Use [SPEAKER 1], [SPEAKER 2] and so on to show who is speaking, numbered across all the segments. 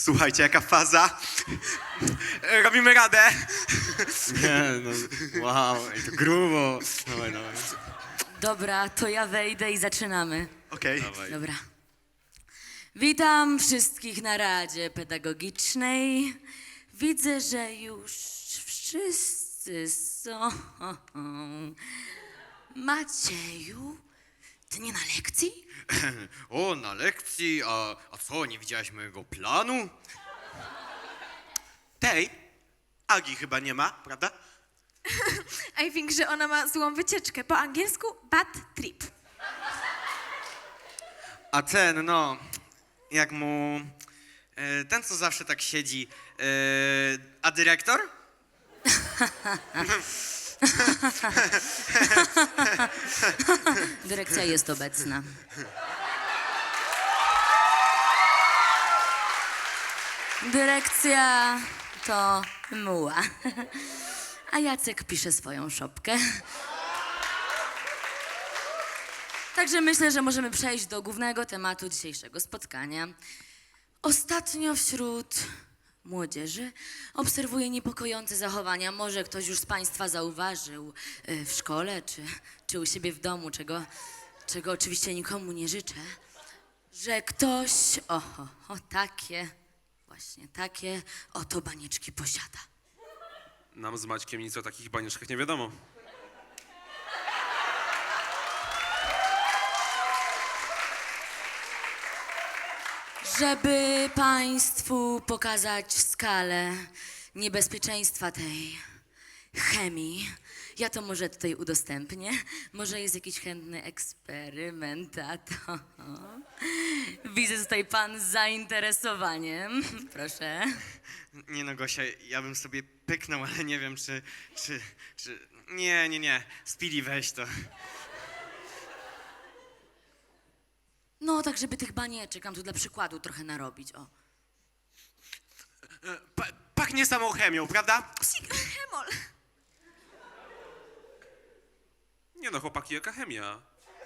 [SPEAKER 1] Słuchajcie, jaka faza. Robimy radę.
[SPEAKER 2] Nie, no, wow, ej, to grubo. Dawaj, dawaj.
[SPEAKER 3] Dobra, to ja wejdę i zaczynamy.
[SPEAKER 1] Okej.
[SPEAKER 2] Dawaj.
[SPEAKER 3] Dobra. Witam wszystkich na Radzie Pedagogicznej. Widzę, że już wszyscy są. Macieju, ty nie na lekcji?
[SPEAKER 2] O, na lekcji, a co, nie widziałaś mojego planu?
[SPEAKER 1] Tej Agi chyba nie ma, prawda?
[SPEAKER 4] I think, że ona ma złą wycieczkę. Po angielsku bad trip.
[SPEAKER 2] A ten, no, jak mu, ten co zawsze tak siedzi, a dyrektor?
[SPEAKER 3] Dyrekcja jest obecna. Dyrekcja to muła. A Jacek pisze swoją szopkę. Także myślę, że możemy przejść do głównego tematu dzisiejszego spotkania. Ostatnio wśród młodzieży obserwuję niepokojące zachowania. Może ktoś już z Państwa zauważył w szkole czy u siebie w domu, czego oczywiście nikomu nie życzę, że ktoś takie, właśnie takie oto banieczki posiada.
[SPEAKER 5] Nam z Maćkiem nic o takich banieczkach nie wiadomo.
[SPEAKER 3] Żeby Państwu pokazać skalę niebezpieczeństwa tej chemii, ja to może tutaj udostępnię. Może jest jakiś chętny eksperymentator. Widzę tutaj Pan z zainteresowaniem. Proszę.
[SPEAKER 2] Nie no, Gosia, ja bym sobie pyknął, ale nie wiem, czy... Nie. Speedy, weź to.
[SPEAKER 3] No, tak żeby tych banieczek nam tu dla przykładu trochę narobić, o.
[SPEAKER 1] Pachnie samą chemią, prawda?
[SPEAKER 4] Psik, hemol.
[SPEAKER 5] Nie no, chłopaki, jaka chemia?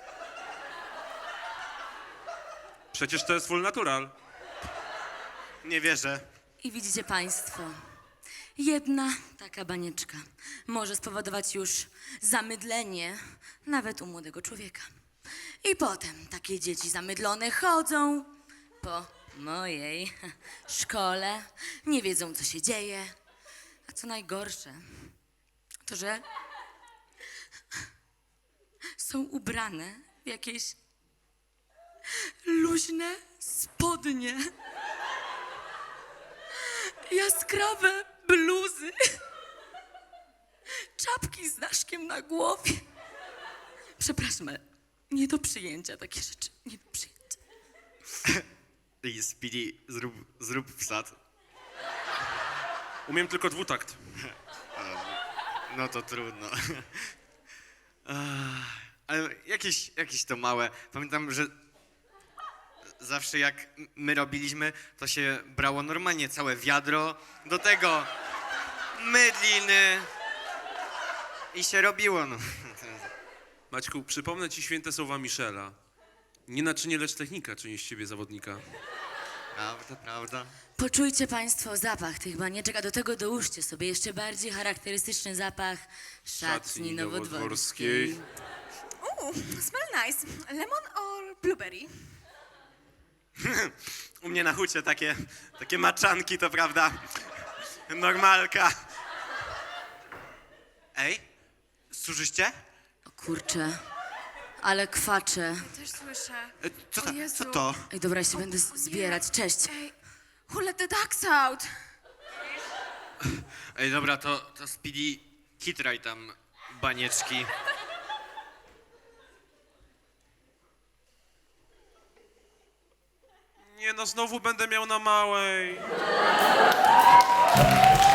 [SPEAKER 5] Przecież to jest full natural.
[SPEAKER 1] Nie wierzę.
[SPEAKER 3] I widzicie Państwo, jedna taka banieczka może spowodować już zamydlenie nawet u młodego człowieka. I potem takie dzieci zamydlone chodzą po mojej szkole, nie wiedzą co się dzieje. A co najgorsze, to że są ubrane w jakieś luźne spodnie. Jaskrawe bluzy, czapki z daszkiem na głowie. Przepraszam, ale nie do przyjęcia takie rzeczy, nie do przyjęcia.
[SPEAKER 2] Ej, Speedy, zrób wsad.
[SPEAKER 5] Umiem tylko dwutakt.
[SPEAKER 2] No to trudno. Ale jakieś to małe. Pamiętam, że zawsze jak my robiliśmy, to się brało normalnie całe wiadro, do tego mydliny i się robiło, no.
[SPEAKER 5] Maćku, przypomnę ci święte słowa Michela. Nie naczynie, lecz technika czyni z ciebie zawodnika.
[SPEAKER 2] Prawda.
[SPEAKER 3] Poczujcie Państwo zapach tych banieczek, a do tego dołóżcie sobie jeszcze bardziej charakterystyczny zapach szatni nowodworskiej.
[SPEAKER 4] Smell nice. Lemon or blueberry?
[SPEAKER 1] U mnie na hucie takie maczanki, to prawda? Normalka. Ej, słyszycie?
[SPEAKER 3] O kurczę, ale kwaczę.
[SPEAKER 4] Też słyszę.
[SPEAKER 1] Co
[SPEAKER 4] O
[SPEAKER 1] to?
[SPEAKER 4] Jezu.
[SPEAKER 1] Co to?
[SPEAKER 3] Ej, dobra, ja się będę zbierać, cześć.
[SPEAKER 4] Ej, who let the ducks out?
[SPEAKER 2] Ej, dobra, to Speedy, kitraj tam banieczki.
[SPEAKER 5] Nie no, znowu będę miał na małej.